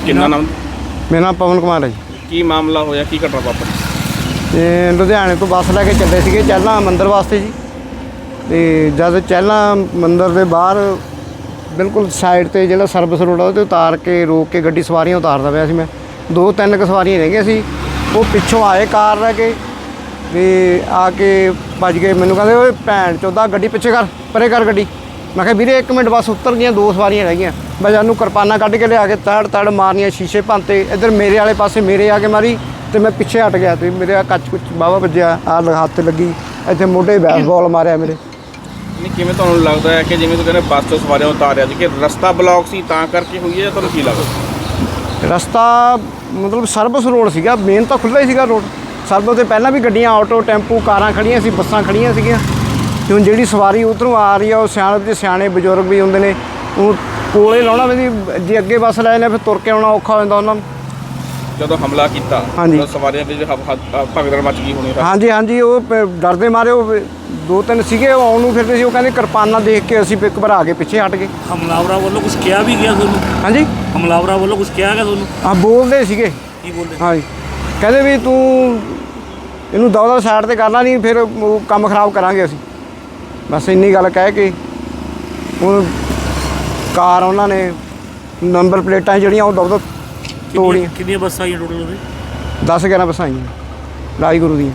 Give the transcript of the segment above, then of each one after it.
ਕਿੰਨਾ ਨਾਮ? ਮੇਰਾ ਨਾਮ ਪਵਨ ਕੁਮਾਰ ਹੈ ਜੀ। ਕੀ ਮਾਮਲਾ ਹੋਇਆ, ਕੀ ਘਟਨਾ ਵਾਪਰੀ? ਤੇ ਲੁਧਿਆਣੇ ਤੋਂ ਬੱਸ ਲੈ ਕੇ ਚੱਲੇ ਸੀਗੇ ਚਹਿਲਾਂ ਮੰਦਿਰ ਵਾਸਤੇ ਜੀ। ਤੇ ਜਦ ਚਹਿਲਾਂ ਮੰਦਿਰ ਦੇ ਬਾਹਰ ਬਿਲਕੁਲ ਸਾਈਡ ਤੇ ਜਿਹੜਾ ਸਰਵਿਸ ਰੋਡ ਆ ਉਹ 'ਤੇ ਉਤਾਰ ਕੇ ਰੋਕ ਕੇ ਗੱਡੀ ਸਵਾਰੀਆਂ ਉਤਾਰਦਾ ਪਿਆ ਸੀ ਮੈਂ। 2-3 ਕੁ ਸਵਾਰੀਆਂ ਰਹਿ ਗਈਆਂ ਸੀ। ਉਹ ਪਿੱਛੋਂ ਆਏ ਕਾਰ ਲੈ ਕੇ ਵੀ ਆ ਕੇ ਭੱਜ ਗਏ। ਮੈਨੂੰ ਕਹਿੰਦੇ ਓਏ ਭੈਣ ਚੋਦਾ ਗੱਡੀ ਪਿੱਛੇ ਕਰ, ਪਰੇ ਕਰ ਗੱਡੀ। ਮੈਂ ਕਿਹਾ ਵੀਰੇ 1 ਮਿੰਟ ਬਸ ਉਤਰ ਗਈਆਂ, 2 ਸਵਾਰੀਆਂ ਰਹਿ ਗਈਆਂ। ਮੈਂ ਜਾਨੂੰ ਕਿਰਪਾਨਾਂ ਕੱਢ ਕੇ ਲਿਆ ਕੇ ਤੜ ਮਾਰਨੀਆਂ, ਸ਼ੀਸ਼ੇ ਭੰਨਤੇ। ਇੱਧਰ ਮੇਰੇ ਵਾਲੇ ਪਾਸੇ ਮੇਰੇ ਆ ਕੇ ਮਾਰੀ ਤੇ ਮੈਂ ਪਿੱਛੇ ਹਟ ਗਿਆ ਤੇ ਮੇਰੇ ਆ ਕੱਚ ਕੁੱਚ ਵਾਹਵਾ ਵੱਜਿਆ, ਆਹ ਹੱਥ ਲੱਗੀ, ਇੱਥੇ ਮੋਢੇ ਬੈਸਬਾਲ ਮਾਰਿਆ ਮੇਰੇ। ਨਹੀਂ, ਕਿਵੇਂ ਤੁਹਾਨੂੰ ਲੱਗਦਾ ਹੈ ਕਿ ਜਿਵੇਂ ਤੁਸੀਂ ਕਹਿੰਦੇ ਬੱਸ ਤੋਂ ਸਵਾਰੀਆਂ ਉਤਾਰਿਆ ਸੀ ਕਿ ਰਸਤਾ ਬਲੌਕ ਸੀ ਤਾਂ ਕਰਕੇ ਹੋਈ ਹੈ ਜਾਂ ਤੁਹਾਨੂੰ ਕੀ ਲੱਗਦਾ? ਰਸਤਾ ਮਤਲਬ ਸਰਵਿਸ ਰੋਡ ਸੀਗਾ, ਮੇਨ ਤਾਂ ਖੁੱਲ੍ਹਾ ਹੀ ਸੀਗਾ ਰੋਡ। ਸਰਵਿਸ ਤੋਂ ਪਹਿਲਾਂ ਵੀ ਗੱਡੀਆਂ, ਆਟੋ, ਟੈਂਪੂ, ਕਾਰਾਂ ਖੜੀਆਂ ਸੀ, ਬੱਸਾਂ ਖੜੀਆਂ ਸੀਗੀਆਂ। ਤੇ ਹੁਣ ਜਿਹੜੀ ਸਵਾਰੀ ਉੱਧਰੋਂ ਆ ਰਹੀ ਆ ਉਹ ਸਿਆਣੇ ਬਜ਼ੁਰਗ ਵੀ ਹੁੰਦੇ ਨੇ, ਉਹ ਕੋਲੇ ਲਾਉਣਾ ਵੀ ਜੇ ਅੱਗੇ ਬੱਸ ਲੈ ਜਾਂਦੇ ਫਿਰ ਤੁਰ ਕੇ ਆਉਣਾ ਔਖਾ ਹੋ ਜਾਂਦਾ ਉਹਨਾਂ ਨੂੰ। ਜਦੋਂ ਹਮਲਾ ਕੀਤਾ ਹਾਂਜੀ, ਸਵਾਰੀਆਂ ਵਿੱਚ ਭਗਦੜ ਮਚ ਗਈ ਹੋਣੀ? ਹਾਂਜੀ, ਉਹ ਡਰਦੇ ਮਾਰੇ ਉਹ 2-3 ਸੀਗੇ, ਉਹ ਆਉਣ ਨੂੰ ਫਿਰਦੇ ਸੀ। ਉਹ ਕਹਿੰਦੇ ਕਿਰਪਾਨਾਂ ਦੇਖ ਕੇ ਅਸੀਂ ਘਬਰਾ ਕੇ ਪਿੱਛੇ ਹਟ ਗਏ। ਹਮਲਾਵਰਾਂ ਵੱਲੋਂ ਕੁਝ ਕਿਹਾ ਵੀ ਗਿਆ ਤੁਹਾਨੂੰ? ਹਾਂਜੀ, ਹਮਲਾਵਰਾਂ ਵੱਲੋਂ ਕੁਝ ਕਿਹਾ ਗਿਆ ਤੁਹਾਨੂੰ? ਹਾਂ, ਬੋਲਦੇ ਸੀਗੇ। ਕੀ ਬੋਲਦੇ? ਹਾਂਜੀ, ਕਹਿੰਦੇ ਵੀ ਤੂੰ ਇਹਨੂੰ ਦਵਾ ਸਾਈਡ ਤੇ ਕਰਨਾ ਨਹੀਂ, ਫਿਰ ਉਹ ਕੰਮ ਖਰਾਬ ਕਰਾਂਗੇ ਅਸੀਂ। ਬਸ ਇੰਨੀ ਗੱਲ ਕਹਿ ਕੇ ਹੁਣ ਕਾਰ ਉਹਨਾਂ ਨੇ ਨੰਬਰ ਪਲੇਟਾਂ ਜਿਹੜੀਆਂ ਉਹ ਦਵਾ ਤੋੜੀਆਂ। ਕਿੰਨੀਆਂ ਬੱਸਾਂ ਆਈਆਂ ਟੋਟਲ ਉਹਦੇ? 10-11 ਬੱਸਾਂ ਆਈਆਂ ਰਾਜਗੁਰੂ ਦੀਆਂ।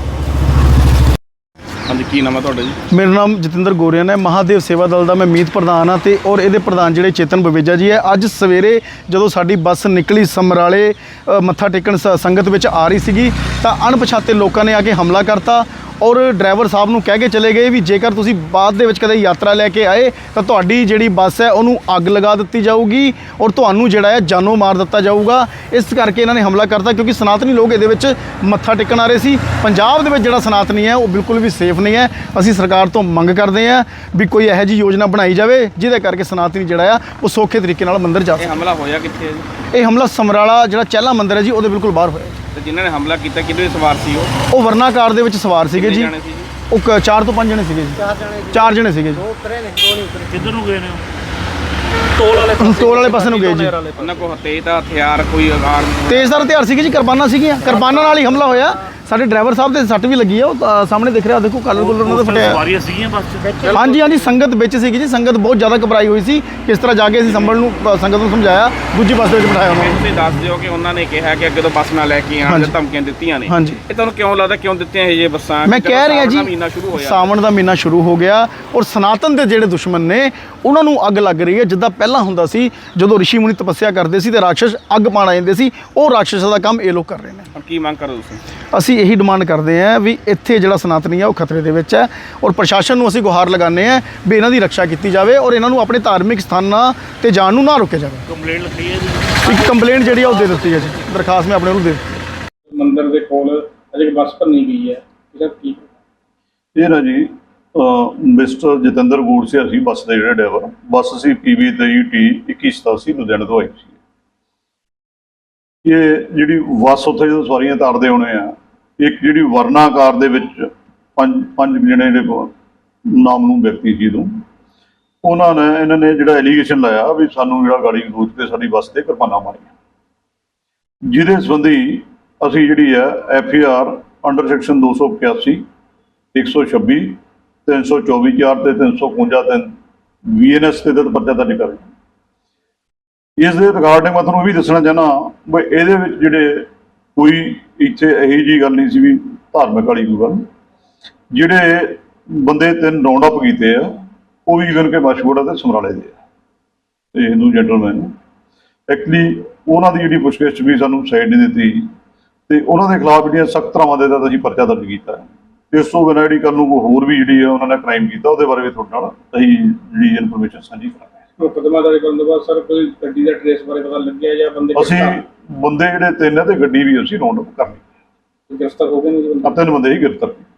ਹਾਂਜੀ, ਕੀ ਨਾਮ ਹੈ ਤੁਹਾਡਾ ਜੀ? ਮੇਰਾ ਨਾਮ ਜਤਿੰਦਰ ਗੋਰੀਆਨ ਹੈ। ਮਹਾਦੇਵ ਸੇਵਾ ਦਲ ਦਾ ਮੈਂ ਮੀਤ ਪ੍ਰਧਾਨ ਹਾਂ ਤੇ ਔਰ ਇਹਦੇ ਪ੍ਰਧਾਨ ਜਿਹੜੇ ਚੇਤਨ ਬਵੇਜਾ ਜੀ ਹੈ। ਅੱਜ ਸਵੇਰੇ ਜਦੋਂ ਸਾਡੀ ਬੱਸ ਨਿਕਲੀ ਸਮਰਾਲੇ ਮੱਥਾ ਟੇਕਣ ਸੰਗਤ ਵਿੱਚ ਆ ਰਹੀ ਸੀਗੀ ਤਾਂ ਅਣਪਛਾਤੇ ਲੋਕਾਂ ਨੇ ਆ ਕੇ ਹਮਲਾ ਕਰਤਾ ਔਰ ਡਰਾਈਵਰ ਸਾਹਿਬ ਨੂੰ ਕਹਿ ਕੇ ਚਲੇ ਗਏ ਵੀ ਜੇਕਰ ਤੁਸੀਂ ਬਾਅਦ ਦੇ ਵਿੱਚ ਕਦੇ ਯਾਤਰਾ ਲੈ ਕੇ ਆਏ ਤਾਂ ਤੁਹਾਡੀ ਜਿਹੜੀ ਬੱਸ ਹੈ ਉਹਨੂੰ ਅੱਗ ਲਗਾ ਦਿੱਤੀ ਜਾਊਗੀ ਔਰ ਤੁਹਾਨੂੰ ਜਿਹੜਾ ਹੈ ਜਾਨੋਂ ਮਾਰ ਦਿੱਤਾ ਜਾਊਗਾ। ਇਸ ਕਰਕੇ ਇਹਨਾਂ ਨੇ ਹਮਲਾ ਕਰਤਾ ਕਿਉਂਕਿ ਸਨਾਤਨੀ ਲੋਕ ਇਹਦੇ ਵਿੱਚ ਮੱਥਾ ਟੇਕਣ ਆ ਰਹੇ ਸੀ। ਪੰਜਾਬ ਦੇ ਵਿੱਚ ਜਿਹੜਾ ਸਨਾਤਨੀ ਹੈ ਉਹ ਬਿਲਕੁਲ ਵੀ ਸੇਫ ਨਹੀਂ ਹੈ। ਅਸੀਂ ਸਰਕਾਰ ਤੋਂ ਮੰਗ ਕਰਦੇ ਹਾਂ ਵੀ ਕੋਈ ਇਹੋ ਜਿਹੀ ਯੋਜਨਾ ਬਣਾਈ ਜਾਵੇ ਜਿਹਦੇ ਕਰਕੇ ਸਨਾਤਨੀ ਜਿਹੜਾ ਆ ਉਹ ਸੌਖੇ ਤਰੀਕੇ ਨਾਲ ਮੰਦਿਰ ਜਾ ਸਕੇ। ਇਹ ਹਮਲਾ ਹੋਇਆ ਕਿੱਥੇ ਹੈ ਜੀ? ਇਹ ਹਮਲਾ ਸਮਰਾਲਾ ਜਿਹੜਾ ਚਹਿਲਾ ਮੰਦਿਰ ਹੈ ਜੀ ਉਹਦੇ ਬਿਲਕੁਲ ਬਾਹਰ ਹੋਇਆ। ਤੇ ਜਿਨ੍ਹਾਂ ਨੇ ਹਮਲਾ ਕੀਤਾ ਕਿਹਦੇ ਸਵਾਰ ਸੀ ਉਹ ਵਰਨਾ ਕਾਰ ਦੇ ਵਿੱਚ ਸਵਾਰ ਸੀਗੇ ਜੀ। ਉਹ 4 ਤੋਂ 5 ਜਣੇ ਸੀਗੇ ਜੀ। 4 ਜਣੇ ਸੀਗੇ ਜੀ। 2 ਉਤਰੇ ਨੇ, 2 ਨਹੀਂ ਉਤਰੇ। ਕਿੱਧਰ ਨੂੰ ਗਏ ਨੇ? ਟੋਲ ਵਾਲੇ ਪਾਸੇ ਨੂੰ ਗਏ ਜੀ। ਉਹਨਾਂ ਕੋਲ ਤੇਜ਼ ਦਾ ਹਥਿਆਰ ਕੋਈ ਤੇਜ਼ਦਾਰ ਹਥਿਆਰ ਸੀਗੇ ਜੀ, ਕਿਰਪਾਨਾਂ ਸੀਗੀਆਂ। ਕਿਰਪਾਨਾਂ ਨਾਲ ਹੀ ਹਮਲਾ ਹੋਇਆ। ਸਾਡੇ ਡਰਾਈਵਰ ਸਾਹਿਬ ਦੇ ਸੱਟ ਵੀ ਲੱਗੀ ਆ, ਉਹ ਸਾਹਮਣੇ ਦਿਖ ਰਿਹਾ, ਦੇਖੋ ਕਲਰ ਕੁਲਰ ਉਹਨਾਂ ਦਾ ਫਟਿਆ। ਸਵਾਰੀਆਂ ਸੀਗੀਆਂ ਬੱਸ 'ਚ? ਹਾਂਜੀ, ਸੰਗਤ ਵਿੱਚ ਸੀਗੀ ਜੀ। ਸੰਗਤ ਬਹੁਤ ਜ਼ਿਆਦਾ ਘਬਰਾਈ ਹੋਈ ਸੀ। ਕਿਸ ਤਰ੍ਹਾਂ ਜਾ ਕੇ ਅਸੀਂ ਸੰਗਤ ਨੂੰ ਸਮਝਾਇਆ, ਦੂਜੀ ਬੱਸ ਦੇ ਵਿੱਚ ਬਿਠਾਇਆ ਉਹਨਾਂ ਨੂੰ। ਤੁਸੀਂ ਦੱਸ ਦਿਓ ਕਿ ਉਹਨਾਂ ਨੇ ਕਿਹਾ ਕਿ ਅੱਗੇ ਤੋਂ ਬੱਸ ਨਾ ਲੈ ਕੇ ਆਉਣ ਦੀ ਧਮਕੀਆਂ ਦਿੱਤੀਆਂ ਨੇ। ਹਾਂਜੀ, ਇਹ ਤੁਹਾਨੂੰ ਕਿਉਂ ਲੱਗਦਾ ਕਿਉਂ ਦਿੱਤੀਆਂ ਇਹ ਬੱਸਾਂ? ਮੈਂ ਕਹਿ ਰਿਹਾ ਜੀ, ਸਾਵਣ ਦਾ ਮਹੀਨਾ ਸ਼ੁਰੂ ਹੋ ਗਿਆ ਔਰ ਸਨਾਤਨ ਦੇ ਜਿਹੜੇ ਦੁਸ਼ਮਣ ਨੇ ਉਹਨਾਂ ਨੂੰ ਅੱਗ ਲੱਗ ਰਹੀ ਹੈ। ਜਿੱਦਾਂ ਪਹਿਲਾਂ ਹੁੰਦਾ ਸੀ ਜਦੋਂ ਰਿਸ਼ੀ ਮੁਨੀ ਤਪੱਸਿਆ ਕਰਦੇ ਸੀ ਤੇ ਰਾਖਸ਼ ਅੱਗ ਪਾਣ ਆ ਜਾਂਦੇ ਸੀ, ਉਹ ਰਾਖਸ਼ ਦਾ ਕੰਮ ਇਹ ਲੋਕ ਕਰ ਰਹੇ ਨੇ। ਹੁਣ ਕੀ ਮੰਗ ਕਰੋ ਤੁਸੀਂ? ਅਸੀਂ ਇਹੀ ਡਿਮਾਂਡ ਕਰਦੇ ਹਾਂ ਵੀ ਇੱਥੇ ਜਿਹੜਾ ਸਨਾਤਨੀ ਹੈ ਉਹ ਖਤਰੇ ਦੇ ਵਿੱਚ ਹੈ ਔਰ ਪ੍ਰਸ਼ਾਸਨ ਨੂੰ ਅਸੀਂ ਗੁਹਾਰ ਲਗਾਉਂਦੇ ਹਾਂ ਵੀ ਇਹਨਾਂ ਦੀ ਰੱਖਿਆ ਕੀਤੀ ਜਾਵੇ ਔਰ ਇਹਨਾਂ ਨੂੰ ਆਪਣੇ ਧਾਰਮਿਕ ਸਥਾਨਾਂ ਤੇ ਜਾਣ ਨੂੰ ਨਾ ਰੋਕਿਆ ਜਾਵੇ। ਕੰਪਲੇਂਟ ਲਿਖੀ ਹੈ ਜੀ? ਇੱਕ ਕੰਪਲੇਂਟ ਜਿਹੜੀ ਆ ਉਹ ਦੇ ਦਿੱਤੀ ਹੈ ਜੀ, ਦਰਖਾਸਤ ਮੈਂ ਆਪਣੇ ਨੂੰ ਦੇ ਦਿੱਤੀ। ਮੰਦਿਰ ਦੇ ਕੋਲ ਅਜੇ ਬੱਸ ਭੰਨੀ ਗਈ ਹੈ, ਇਹਦਾ ਕੀ? ਇਹ ਨਾ ਜੀ ਮਿਸਟਰ ਜਤਿੰਦਰ ਗੋੜਸੇ ਅਸੀਂ ਬੱਸ ਦੇ ਜਿਹੜੇ ਡਰਾਈਵਰ, ਬੱਸ ਸੀ PB 23T2187 ਲੁਧਿਆਣੇ ਤੋਂ ਆਈ ਸੀ। ਇਹ ਜਿਹੜੀ ਬੱਸ ਉੱਥੇ ਜਦੋਂ ਸਵਾਰੀਆਂ ਤਾਰਦੇ ਹੋਣੇ ਆ, ਇੱਕ ਜਿਹੜੀ ਵਰਨਾ ਕਾਰ ਦੇ ਵਿੱਚ ਪੰਜ ਜਿਹੜੇ ਨਾਮ ਨੂੰ ਵਿਅਕਤੀ ਸੀ ਤੋਂ ਇਹਨਾਂ ਨੇ ਜਿਹੜਾ ਐਲੀਗੇਸ਼ਨ ਲਾਇਆ ਵੀ ਸਾਨੂੰ ਜਿਹੜਾ ਗਾੜੀ ਗਲੋਚ ਤੇ ਸਾਡੀ ਬੱਸ ਤੇ ਕਿਰਪਾਨਾਂ ਮਾਰੀਆਂ, ਜਿਹਦੇ ਸੰਬੰਧੀ ਅਸੀਂ ਜਿਹੜੀ ਹੈ FAR ਅੰਡਰ ਸੈਕਸ਼ਨ 285, 126, 324(4) ਤੇ 355(3) VNS ਦੇ ਤਹਿਤ ਪਰਚਾ ਦਰਜ ਕਰ ਰਹੇ। ਇਸ ਦੇ ਰਿਗਾਰਡਿੰਗ ਮੈਂ ਤੁਹਾਨੂੰ ਇਹ ਵੀ ਦੱਸਣਾ ਚਾਹੁੰਦਾ ਵੀ ਇਹਦੇ ਵਿੱਚ ਜਿਹੜੇ ਕੋਈ ਇੱਥੇ ਇਹੋ ਜਿਹੀ ਗੱਲ ਨਹੀਂ ਸੀ ਵੀ ਧਾਰਮਿਕ ਵਾਲੀ ਕੋਈ ਗੱਲ। ਜਿਹੜੇ ਬੰਦੇ 3 ਰਾਉਂਡ ਅਪ ਕੀਤੇ ਆ ਉਹ ਵੀ ਇਵਨ ਕਿ ਮਸ਼ਹੂਰ ਤੇ ਸਮਰਾਲੇ ਦੇ ਆ ਤੇ ਹਿੰਦੂ ਜੈਂਟਲਮੈਨ। ਐਕਚੁਅਲੀ ਉਹਨਾਂ ਦੀ ਜਿਹੜੀ ਪੁੱਛਗਿੱਛ ਵੀ ਸਾਨੂੰ ਸਾਈਡ ਨਹੀਂ ਦਿੱਤੀ ਤੇ ਉਹਨਾਂ ਦੇ ਖਿਲਾਫ ਜਿਹੜੀਆਂ ਸਖਤ ਧਾਰਾਵਾਂ ਦੇ ਤਹਿਤ ਅਸੀਂ ਪਰਚਾ ਦਰਜ ਕੀਤਾ। ਇਸ ਤੋਂ ਬਿਨਾਂ ਜਿਹੜੀ ਕੱਲ੍ਹ ਨੂੰ ਹੋਰ ਵੀ ਜਿਹੜੀ ਆ ਉਹਨਾਂ ਨੇ ਕ੍ਰਾਈਮ ਕੀਤਾ ਉਹਦੇ ਬਾਰੇ ਵੀ ਤੁਹਾਡੇ ਨਾਲ ਅਸੀਂ ਜਿਹੜੀ ਇਨਫੋਰਮੇਸ਼ਨ ਸਾਂਝੀ ਕਰਾਂਗੇ। ਮੁਕੱਦਮਾ ਦਰਜ ਕਰਨ ਤੋਂ ਬਾਅਦ ਸਰ ਕੋਈ ਗੱਡੀ ਦਾ ਟ੍ਰੇਸ ਬਾਰੇ ਪਤਾ ਲੱਗਿਆ ਜਾਂ ਅਸੀਂ ਬੰਦੇ ਜਿਹੜੇ 3 ਤੇ ਗੱਡੀ ਵੀ ਅਸੀਂ ਰਾਉਂਡ ਅਪ ਕਰ ਲਈ। ਗ੍ਰਿਫਤਾਰ ਹੋ ਗਏ ਨੇ? 3 ਬੰਦੇ ਹੀ ਗ੍ਰਿਫਤਾਰ ਕੀਤੇ।